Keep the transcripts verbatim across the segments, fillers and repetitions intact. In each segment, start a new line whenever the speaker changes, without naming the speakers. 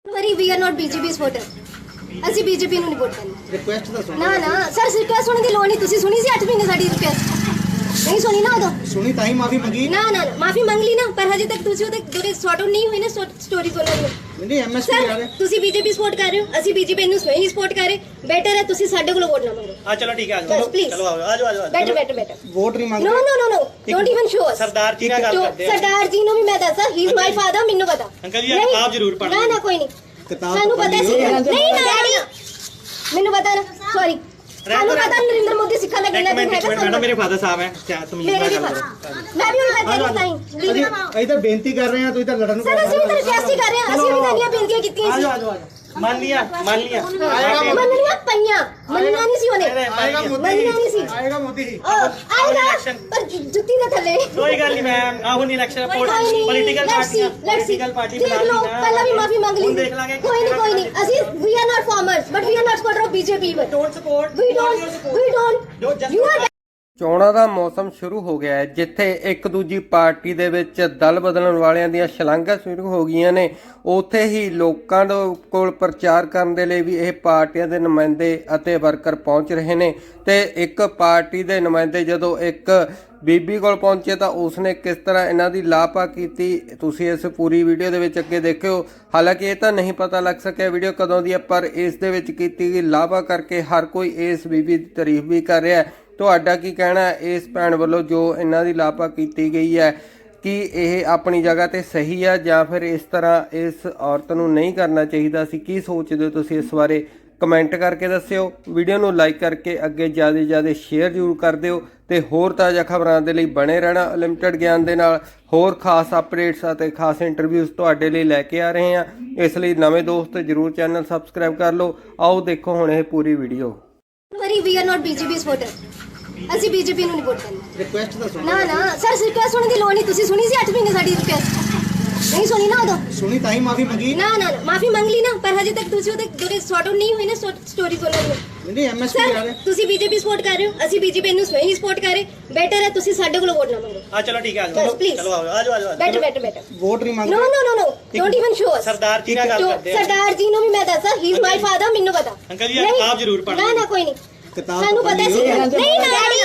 Worry we are not BJP supporter. ਅਸੀਂ BJP ਨੂੰ ਨਹੀਂ ਵੋਟ ਕਰਨੀ।
ਰਿਕੁਐਸਟ ਤਾਂ ਸੁਣੋ।
ਨਾ ਨਾ ਸਰ ਰਿਕੁਐਸਟ ਸੁਣਨ ਦੀ ਲੋੜ ਨਹੀਂ। ਤੁਸੀਂ ਸੁਣੀ ਸੀ ਅੱਠ ਮਹੀਨੇ ਸਾਡੀ ਰਿਕੁਐਸਟ ਨਹੀਂ ਸੁਣੀ ਨਾ ਉਦੋਂ।
ਸੁਣੀ ਤਾਂ ਹੀ ਮਾਫੀ ਮੰਗੀ।
ਨਾ ਨਾ ਮਾਫੀ ਮੰਗ ਲਈ ਨਾ, ਪਰ ਹਜੇ ਤੱਕ ਤੁਸੀਂ ਉਹਦੇ ਜਿਹੜੇ ਸੌਟ ਆਊਟ ਨਹੀਂ ਹੋਈ ਨਾ ਸਟੋਰੀ ਬੋਲਣ ਦੀ।
ਨਹੀਂ ਐਮਐਸਪੀ ਆ
ਸਰ
ਰਹੇ
ਤੁਸੀਂ ਬੀਜੇਪੀ ਸਪੋਰਟ ਕਰ ਰਹੇ ਹੋ, ਅਸੀਂ ਬੀਜੇਪੀ ਨੂੰ ਸਵੈਂ ਹੀ ਸਪੋਰਟ ਕਰ ਰਹੇ। ਬੈਟਰ ਹੈ ਤੁਸੀਂ ਸਾਡੇ ਕੋਲੋਂ ਵੋਟ ਨਾ ਮੰਗੋ।
हाँ चलो ठीक है आ
Yes,
जाओ
please.
चलो आओ आ जाओ आ जाओ
ਬੈਟਰ ਬੈਟਰ ਬੈਟਰ
ਵੋਟ ਨਹੀਂ ਮੰਗ
no no no no don't even show us.
सरदार जी ना गल करदे
सरदार जी ਨੂੰ ਵੀ ਮੈਂ ਦੱਸਾਂ ਹੀ ਇਜ਼ ਮਾਈ ਫਾਦਰ, ਮੈਨੂੰ ਪਤਾ।
अंकल जी किताब जरूर पढ़
ਨਾ ਨਾ ਕੋਈ ਨਹੀਂ,
ਕਿਤਾਬ
ਸਾਨੂੰ ਪਤਾ ਸੀ। ਨਹੀਂ ਨਾ ਡੈਡੀ ਮੈਨੂੰ ਪਤਾ ਨਾ, ਸੌਰੀ ਸਾਨੂੰ ਪਤਾ ਨਰਿੰਦਰ ਮੋਦੀ ਸਿੱਖਾਂ ਦਾ ਕਿੰਨਾ
एक
ਦਿਨ
मिनट एक
ਹੈਗਾ।
मिनट मैडम मेरे फादर साहब हैं क्या तमीज
ਮੇਰੇ
ना
ਵੀ
गल
ਪਤਾ,
करो
ਮੈਂ ਵੀ ਉਹੀ ਮੈਂ ਤੇਰੀ ਸਾਈਂ
ਅਸੀਂ ਅਸੀਂ ਤਾਂ ਬੇਨਤੀ ਕਰ ਰਹੇ ਹਾਂ, ਤੁਸੀਂ ਤਾਂ ਲੜਨ ਨੂੰ
ਸਰ ਅਸੀਂ ਵੀ ਤਾਂ ਰਿਕਵੈਸਟ ਹੀ ਕਰ ਰਹੇ ਹਾਂ। ਅਸੀਂ ਵੀ ਤਾਂ ਇੰਨੀਆਂ ਬੇਨਤੀਆਂ ਕੀਤੀਆਂ
आ
ਸੀ।
जाओ आ जाओ मान लिया मान लिया
ਮੰਨਣੀਆਂ ਪਈਆਂ, ਮੰਨਣਾ ਨਹੀਂ ਸੀ ਉਹਨੇ।
ਆਏਗਾ ਮੋਦੀ
ਮੰਨਣਾ ਨਹੀਂ ਸੀ।
ਆਏਗਾ ਮੋਦੀ
ਉਹ ਆਏਗਾ ਪਰ ਜੁੱਤੀ ਦੇ ਥੱਲੇ।
कोई गल नहीं मैम आओ नहीं election political party political party
देख लो पहला भी माफी मांग ली।
हम देख लांगे
कोई नहीं कोई नहीं ਅਸੀਂ we are not farmers but we are not supporter of BJP but
don't support
we don't we don't you are
ਚੋਣਾਂ ਦਾ ਮੌਸਮ ਸ਼ੁਰੂ ਹੋ ਗਿਆ ਹੈ, ਜਿੱਥੇ ਇੱਕ ਦੂਜੀ ਪਾਰਟੀ ਦੇ ਵਿੱਚ ਦਲ ਬਦਲਣ ਵਾਲਿਆਂ ਦੀਆਂ ਛਲਾਂਘਾਂ ਸ਼ੁਰੂ ਹੋ ਗਈਆਂ ਨੇ। ਉੱਥੇ ਹੀ ਲੋਕਾਂ ਦੇ ਕੋਲ ਪ੍ਰਚਾਰ ਕਰਨ ਦੇ ਲਈ ਵੀ ਇਹ ਪਾਰਟੀਆਂ ਦੇ ਨੁਮਾਇੰਦੇ ਅਤੇ ਵਰਕਰ ਪਹੁੰਚ ਰਹੇ ਨੇ। ਤੇ ਇੱਕ ਪਾਰਟੀ ਦੇ ਨੁਮਾਇੰਦੇ ਜਦੋਂ ਇੱਕ ਬੀਬੀ ਕੋਲ ਪਹੁੰਚੇ ਤਾਂ ਉਸਨੇ ਕਿਸ ਤਰ੍ਹਾਂ ਇਹਨਾਂ ਦੀ ਲਾਪਾ ਕੀਤੀ, ਤੁਸੀਂ ਇਸ ਪੂਰੀ ਵੀਡੀਓ ਦੇ ਵਿੱਚ ਅੱਗੇ ਦੇਖਿਓ। ਹਾਲਾਂਕਿ ਇਹ ਤਾਂ ਨਹੀਂ ਪਤਾ ਲੱਗ ਸਕਿਆ ਵੀਡੀਓ ਕਦੋਂ ਦੀ ਹੈ, ਪਰ ਇਸ ਦੇ ਵਿੱਚ ਕੀਤੀ ਗਈ ਲਾਪਾ ਕਰਕੇ ਹਰ ਕੋਈ ਇਸ ਬੀਬੀ ਦੀ ਤਾਰੀਫ ਵੀ ਕਰ ਰਿਹਾ ਹੈ। ਤੁਹਾਡਾ ਕੀ ਕਹਿਣਾ ਹੈ ਇਸ ਭੈਣ ਵੱਲੋਂ ਜੋ ਇਹਨਾਂ ਦੀ ਲਾਪਾ ਕੀਤੀ ਗਈ ਹੈ, ਕਿ ਇਹ ਆਪਣੀ ਜਗ੍ਹਾ ਤੇ ਸਹੀ ਹੈ ਜਾਂ ਫਿਰ ਇਸ ਤਰ੍ਹਾਂ ਇਸ ਔਰਤ ਨੂੰ ਨਹੀਂ ਕਰਨਾ ਚਾਹੀਦਾ ਸੀ? ਕੀ ਸੋਚਦੇ ਹੋ ਤੁਸੀਂ ਇਸ ਬਾਰੇ? ਕਮੈਂਟ ਕਰਕੇ ਦੱਸਿਓ। ਵੀਡੀਓ ਨੂੰ ਲਾਈਕ ਕਰਕੇ ਅੱਗੇ ਜ਼ਿਆਦਾ ਤੋਂ ਜ਼ਿਆਦਾ ਸ਼ੇਅਰ ਜ਼ਰੂਰ ਕਰ ਦਿਓ ਤੇ ਹੋਰ ਤਾਜ਼ਾ ਖਬਰਾਂ ਦੇ ਲਈ ਬਣੇ ਰਹਿਣਾ ਲਿਮਟਿਡ ਗਿਆਨ ਦੇ ਨਾਲ। ਹੋਰ ਖਾਸ ਅਪਡੇਟਸ ਅਤੇ ਖਾਸ ਇੰਟਰਵਿਊਜ਼ ਤੁਹਾਡੇ ਲਈ ਲੈ ਕੇ ਆ ਰਹੇ ਹਾਂ, ਇਸ ਲਈ ਨਵੇਂ ਦੋਸਤ ਜ਼ਰੂਰ ਚੈਨਲ ਸਬਸਕ੍ਰਾਈਬ ਕਰ ਲਓ। ਆਓ ਦੇਖੋ ਹੁਣ ਇਹ ਪੂਰੀ video.
Worry we are not BJP supporter. ਅਸੀਂ ਬੀਜੇਪੀ ਨੂੰ ਨਹੀਂ ਵੋਟ ਕਰਨੀ।
ਰਿਕੁਐਸਟ ਤਾਂ ਸੁਣੋ।
ਨਾ ਨਾ ਸਰ ਰਿਕਵੈਸਟ ਸੁਣਨ ਦੀ ਲੋੜ ਨਹੀਂ। ਤੁਸੀਂ ਸੁਣੀ ਸੀ ਅੱਠ ਮਹੀਨੇ ਸਾਡੀ ਰਿਕਵੈਸਟ ਨਹੀਂ ਸੁਣੀ ਨਾ ਉਦੋਂ।
ਸੁਣੀ ਤਾਂ ਹੀ ਮਾਫੀ ਮੰਗੀ।
ਨਾ ਨਾ ਮਾਫੀ ਮੰਗ ਲਈ ਨਾ, ਪਰ ਹਜੇ ਤੱਕ ਤੁਸੀਂ ਉਹਦੇ ਜਿਹੜੇ ਸੌਟ ਆਊਟ ਨਹੀਂ ਹੋਈ ਨਾ ਸਟੋਰੀ ਬੋਲਣ ਦੀ।
ਨਹੀਂ ਐਮਐਸਪੀ ਆ
ਸਰ
ਰਹੇ
ਤੁਸੀਂ ਬੀਜੇਪੀ ਸਪੋਰਟ ਕਰ ਰਹੇ ਹੋ, ਅਸੀਂ ਬੀਜੇਪੀ ਨੂੰ ਸਵੈਂ ਹੀ ਸਪੋਰਟ ਕਰ ਰਹੇ। ਬੈਟਰ ਹੈ ਤੁਸੀਂ ਸਾਡੇ ਕੋਲੋਂ ਵੋਟ ਨਾ ਮੰਗੋ।
हाँ चलो ठीक है आ
Yes,
जाओ
please.
चलो आओ आ जाओ आ जाओ
ਬੈਟਰ ਬੈਟਰ ਬੈਟਰ
ਵੋਟ ਨਹੀਂ ਮੰਗ
no no no no don't even show us.
सरदार जी ना गल करदे
ਸਰਦਾਰ ਜੀ ਨੂੰ ਵੀ ਮੈਂ ਦੱਸਾਂ ਹੀ ਇਜ਼ ਮਾਈ ਫਾਦਰ, ਮੈਨੂੰ ਪਤਾ।
अंकल जी किताब जरूर पढ़
ਨਾ ਨਾ ਕੋਈ ਨਹੀਂ,
ਕਿਤਾਬ
ਸਾਨੂੰ ਪਤਾ ਸੀ। ਨਹੀਂ ਨਾ ਡੈਡੀ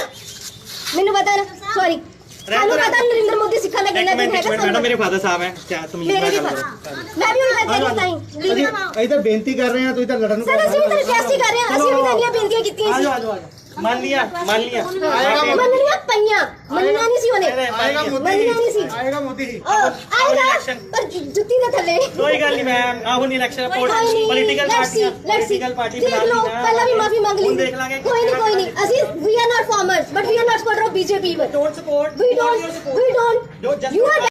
ਮੈਨੂੰ ਪਤਾ ਨਾ, ਸੌਰੀ ਸਾਨੂੰ ਪਤਾ ਨਰਿੰਦਰ ਮੋਦੀ ਸਿੱਖਾਂ ਦਾ
एक
ਕਿੰਨਾ ਦਿਨ
मिनट एक
ਹੈਗਾ।
मिनट मैडम मेरे फादर साहब हैं क्या तमीज
ਮੇਰੇ
ना
ਵੀ
गल
ਪਤਾ,
करो
ਮੈਂ ਵੀ ਉਹੀ ਮੈਂ ਤੇਰੀ ਸਾਈਂ
ਅਸੀਂ ਅਸੀਂ ਤਾਂ ਬੇਨਤੀ ਕਰ ਰਹੇ ਹਾਂ, ਤੁਸੀਂ ਤਾਂ ਲੜਨ ਨੂੰ
ਸਰ ਅਸੀਂ ਵੀ ਤਾਂ ਰਿਕਵੈਸਟ ਹੀ ਕਰ ਰਹੇ ਹਾਂ। ਅਸੀਂ ਵੀ ਤਾਂ ਇੰਨੀਆਂ ਬੇਨਤੀਆਂ ਕੀਤੀਆਂ
आ
ਸੀ।
जाओ आ जाओ मान लिया मान लिया
ਮੰਨਣੀਆਂ ਪਈਆਂ, ਮੰਨਣਾ ਨਹੀਂ ਸੀ ਉਹਨੇ।
ਆਏਗਾ
ਮੰਨਣਾ ਨਹੀਂ ਸੀ।
ਆਏਗਾ ਮੋਦੀ
ਉਹ ਆਏਗਾ ਪਰ ਜੁੱਤੀ ਦੇ ਥੱਲੇ।
कोई गल नहीं मैम आओ नहीं election political party political party
देख लो पहला भी माफी मांग ली।
हम देख लांगे
कोई नहीं कोई नहीं ਅਸੀਂ we are not farmers but we are not supporter of BJP but
don't support
we don't we don't
Don't just-
you are